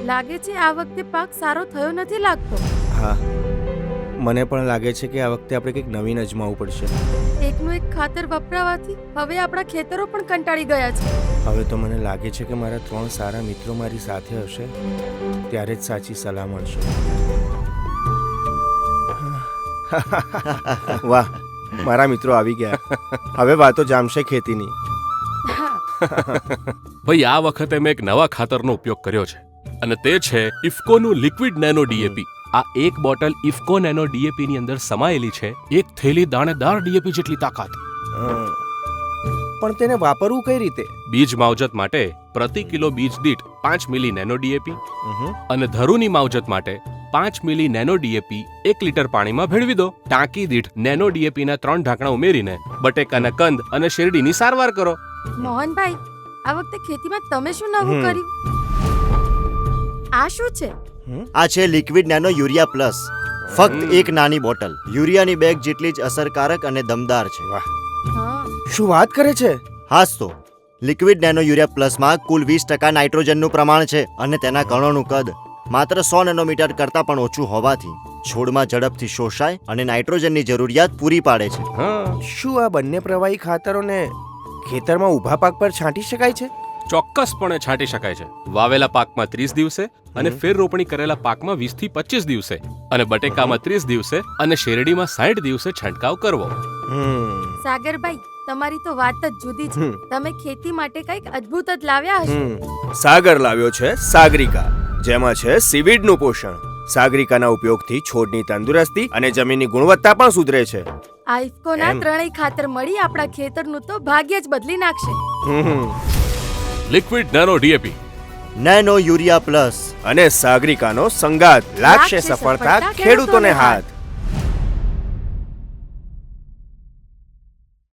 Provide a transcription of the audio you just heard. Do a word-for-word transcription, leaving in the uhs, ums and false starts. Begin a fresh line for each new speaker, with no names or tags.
લાગે છે આ વખતે પાક સારો થયો નથી લાગતો.
હા, મને પણ લાગે છે કે આ વખતે આપણે કંઈક નવીન અજમાવવું પડશે.
એકનું એક ખાતર વપરાવાથી હવે આપણા ખેતરો પણ કંટાળી ગયા છે.
હવે તો મને લાગે છે કે મારા ત્રણ સારા મિત્રો મારી સાથે હશે ત્યારે જ સાચી સલાહ મળશે. વાહ, મારા મિત્રો આવી ગયા. હવે વાતો જામશે ખેતીની.
ભાઈ, આ વખતે મેં એક નવા ખાતરનો ઉપયોગ કર્યો છે અને તે છે ઇફકોનું લિક્વિડ નેનો ડીએપી. આ એક બોટલ ઇફકો નેનો ડીએપી ની અંદર સમાયેલી છે એક થેલી દાણેદાર ડીએપી જેટલી તાકાત.
અ, પણ તેને વાપરવું કઈ રીતે?
બીજ માવજત માટે પ્રતિ કિલો બીજ દીઠ પાંચ મિલી નેનો ડીએપી
ઉહુ.
અને ધરુની માવજત માટે પાંચ મિલી નેનો ડીએપી એક લીટર પાણીમાં ભેળવી દો. ટાંકી દીઠ નેનો ડીએપી ના ત્રણ ઢાંકણા ઉમેરીને બટેકાના કંદ અને શેરડીની સારવાર કરો.
મોહનભાઈ, આ વખતે ખેતીમાં તમે શું નવું
હમ.
કર્યું? આ શું છે?
આ છે લિક્વિડ નેનો યુરિયા પ્લસ. ફક્ત એક નાની બોટલ યુરિયાની બેગ જેટલી જ અસરકારક અને દમદાર છે.
વાહ,
હા,
શું વાત કરે છે?
હાસ તો લિક્વિડ નેનો યુરિયા પ્લસમાં કુલ વીસ ટકા નાઇટ્રોજનનું પ્રમાણ છે અને તેના કણોનું કદ માત્ર સો નેનોમીટર કરતાં પણ ઓછું હોવાથી છોડમાં ઝડપથી શોષાય અને નાઇટ્રોજનની જરૂરિયાત પૂરી પાડે છે.
હા,
શું આ બંને પ્રવાહી ખાતરોને ખેતરમાં ઊભા પાક પર છાંટી શકાય છે?
ચોક્કસપણે છાંટી શકાય છે. વાવેલા પાકમાં ત્રીસ દિવસે અને ફેર રોપણી કરેલા પાકમાં વીસ થી પચીસ દિવસે અને બટેકામાં ત્રીસ દિવસે અને શેરડીમાં સાઠ દિવસે છંટકાવ કરવો.
હમ
સાગરભાઈ, તમારી તો વાત જ જુદી છે.
હમ.
તમે ખેતી માટે કંઈક અદ્ભુત જ લાવ્યા હશો.
હમ. સાગર લાવ્યો છે સાગરિકા, જેમાં છે સીવીડનું પોષણ. સાગરિકાના ઉપયોગથી છોડની તંદુરસ્તી અને જમીનની ગુણવત્તા પણ સુધરે છે.
આ ઇફકોના
એમ.
ત્રણેય ખાતર મળી આપણા ખેતરનું તો ભાગ્ય જ બદલી નાખશે.
હમ.
Liquid nano DAP
nano urea plus.
અને સાગરિકાનો સંગાત લાગશે
લાગશે
સફળતા
સફળતા
ખેડૂતોને
ખેડૂતોને
હાથ.